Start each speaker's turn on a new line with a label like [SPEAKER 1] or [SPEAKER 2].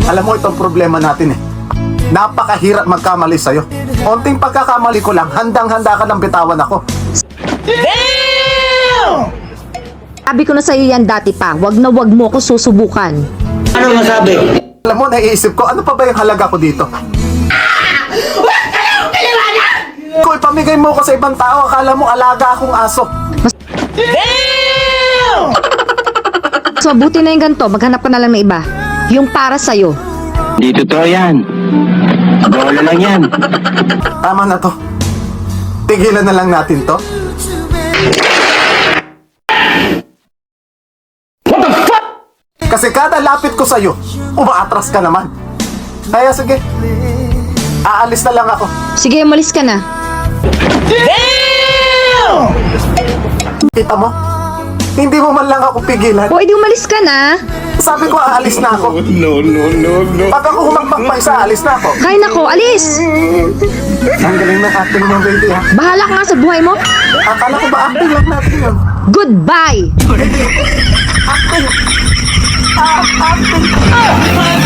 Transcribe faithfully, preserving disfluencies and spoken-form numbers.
[SPEAKER 1] Alam mo, itong problema natin eh. Napakahirap magkamali sa'yo. Onting pagkakamali ko lang, handang-handa ka ng bitawan ako.
[SPEAKER 2] Sabi ko na sa'yo yan dati pa, wag na wag mo ako susubukan.
[SPEAKER 3] Ano masabi?
[SPEAKER 1] Alam mo, naiisip ko, ano pa ba yung halaga ko dito? Kung ipamigay mo ko sa ibang tao, akala mo alaga akong aso.
[SPEAKER 2] So, buti na yung ganito, maghanap ka na lang ng iba. Yung para sa'yo.
[SPEAKER 3] Di totoo yan. Bola lang yan.
[SPEAKER 1] Tama na to. Tigilan na lang natin to. What the fuck? Kasi kada lapit ko sa'yo, umaatras ka naman. Kaya sige, aalis na lang ako.
[SPEAKER 2] Sige, umalis ka na.
[SPEAKER 1] Kita mo? Hindi mo man lang ako pigilan.
[SPEAKER 2] O, edi umalis ka na.
[SPEAKER 1] Sabi ko, aalis na ako.
[SPEAKER 3] No, no, no, no.
[SPEAKER 1] Pag ako humakbang pa isa, alis na ako.
[SPEAKER 2] Kaya nako, alis.
[SPEAKER 1] Ang galing ng acting mo, baby, ha?
[SPEAKER 2] Bahala ka nga sa buhay mo.
[SPEAKER 1] Akala ko ba acting lang natin yun?
[SPEAKER 2] Goodbye.
[SPEAKER 1] Acting! Ah, acting!